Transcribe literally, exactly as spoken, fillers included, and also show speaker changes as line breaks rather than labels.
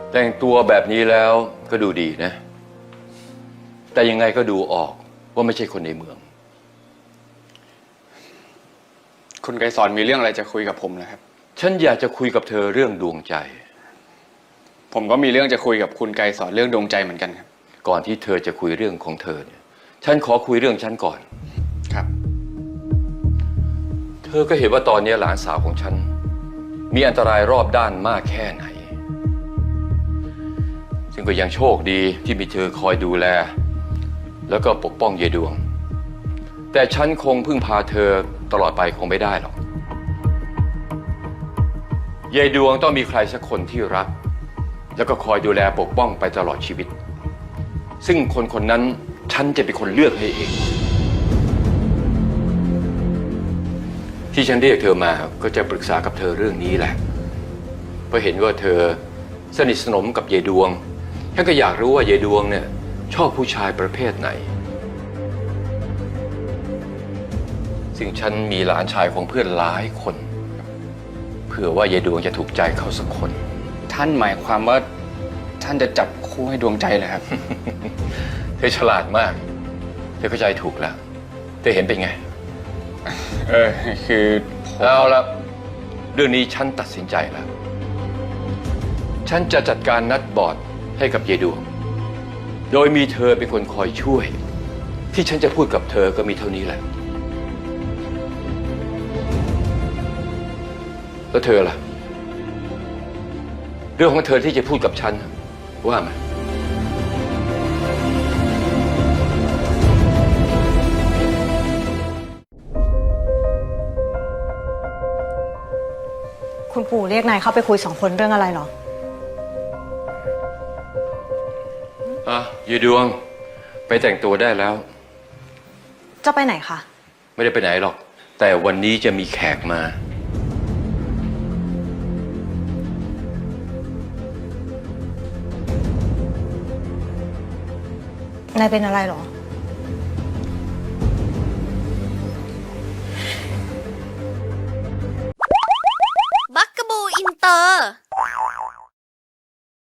แต่งตัวแบบนี้แล้วก็ดูดีนะแต่ยังไงก็ดูออกว่าไม่ใช่คนในเมือง
คุณไกรสอนมีเรื่องอะไรจะคุยกับผมนะครับ
ฉันอยากจะคุยกับเธอเรื่องดวงใจ
ผมก็มีเรื่องจะคุยกับคุณไกรสอนเรื่องดวงใจเหมือนกันครับ
ก่อนที่เธอจะคุยเรื่องของเธอเนี่ยฉันขอคุยเรื่องฉันก่อน
ครับ
เธอก็เห็นว่าตอนนี้หลานสาวของฉันมีอันตรายรอบด้านมากแค่ไหนซึ่งก็ยังโชคดีที่มีเธอคอยดูแลแล้วก็ปกป้องเยดวงแต่ฉันคงพึ่งพาเธอตลอดไปคงไม่ได้หรอกเยดวงต้องมีใครสักคนที่รักแล้วก็คอยดูแลปกป้องไปตลอดชีวิตซึ่งคนคนนั้นฉันจะเป็นคนเลือกให้เองที่ฉันเรียกเธอมาก็จะปรึกษากับเธอเรื่องนี้แหละเพราะเห็นว่าเธอสนิทสนมกับเยดวงฉันก็อยากรู้ว่าเยดวงเนี่ยชอบผู้ชายประเภทไหนซึ่งฉันมีหลานชายของเพื่อนหลายคนเผื่อว่าเยดวงจะถูกใจเขาสักคน
ท่านหมายความว่าท่านจะจับคู่ให้ดวงใจเลยครับ
เธอฉลาดมากเธอเข้าใจถูกแล้วเธอเห็นเป็นไง
เออคือ
เอาละเรื่องนี้ฉันตัดสินใจแล้วฉันจะจัดการนัดบอร์ดให้กับเยดวงโดยมีเธอเป็นคนคอยช่วยที่ฉันจะพูดกับเธอก็มีเท่านี้แหละแล้วเธอล่ะเรื่องของเธอที่จะพูดกับฉันว่ามา
คุณปู่เรียกนายเข้าไปคุยสองคนเรื่องอะไรหรอ
อ่ะเยดวงไปแต่งตัวได้แล้ว
จะไปไหนคะ
ไม่ได้ไปไหนหรอกแต่วันนี้จะมีแขกมาน
ายเป็นอะไรหรอ